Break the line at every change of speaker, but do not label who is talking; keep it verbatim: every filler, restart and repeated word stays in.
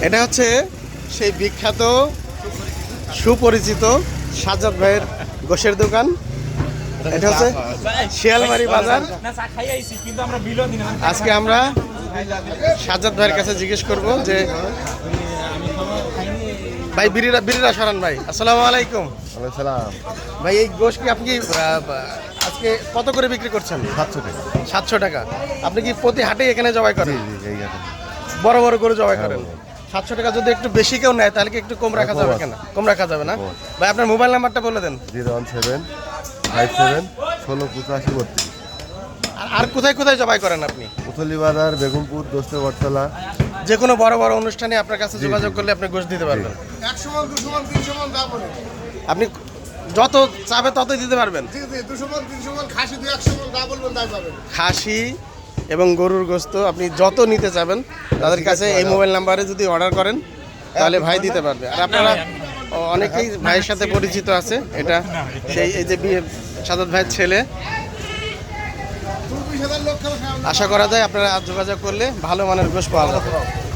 এটা হচ্ছে সেই বিখ্যাত সুপরিচিত সাজ্জাদ ভাইয়ের গোশের দোকান। এটা হচ্ছে শিয়ালমারি বাজার। আজকে আমরা সাজ্জাদ ভাইয়ের কাছে জিজ্ঞেস করব যে ভাই বিরিরা বিরিরা সরান ভাই, আসসালামু আলাইকুম। ভাই এই গোশ কি আপনি আজকে কত করে বিক্রি করছেন?
সাতশো টাকা।
সাতশো টাকা। আপনি কি প্রতি হাটে এখানে জবাই করেন? বড় বড় করে জবাই করেন। সাতশো টাকা যদি একটু বেশি কেউ নেয় তাহলে কি একটু কম রাখা যাবে? কেন কম রাখা যাবে না? ভাই আপনার মোবাইল নাম্বারটা বলে দেন।
Zero one seven five seven ষোলো পঁচাশি বত্রিশ।
আর কোথায় কোথায় জবাই করেন আপনি?
উথলি বাজার, বেগমপুর, দোস্ত বটতলা।
যে কোনো বড় বড় অনুষ্ঠানে আপনার কাছে যোগাযোগ করলে আপনি গোশ দিতে পারবেন।
একশো মন দুশো মন তিনশো মন যা বলে
আপনি যত চাবে ততই দিতে পারবেন।
দুশো মন তিনশো মন খাসি দুই একশো মন যা বলবেন তাই পাবেন।
খাসি এবং গরুর গোশত আপনি যত নিতে চাবেন তাদের কাছে এই মোবাইল নাম্বারে যদি অর্ডার করেন তাহলে ভাই দিতে পারবে। আর আপনারা অনেকেই ভাইয়ের সাথে পরিচিত আছে। এটা সেই এই যে সাজ্জাদ ভাইয়ের ছেলে। আশা করা যায় আপনারা যোগাযোগ করলে ভালো মানের গোশ পাওয়া যাবে।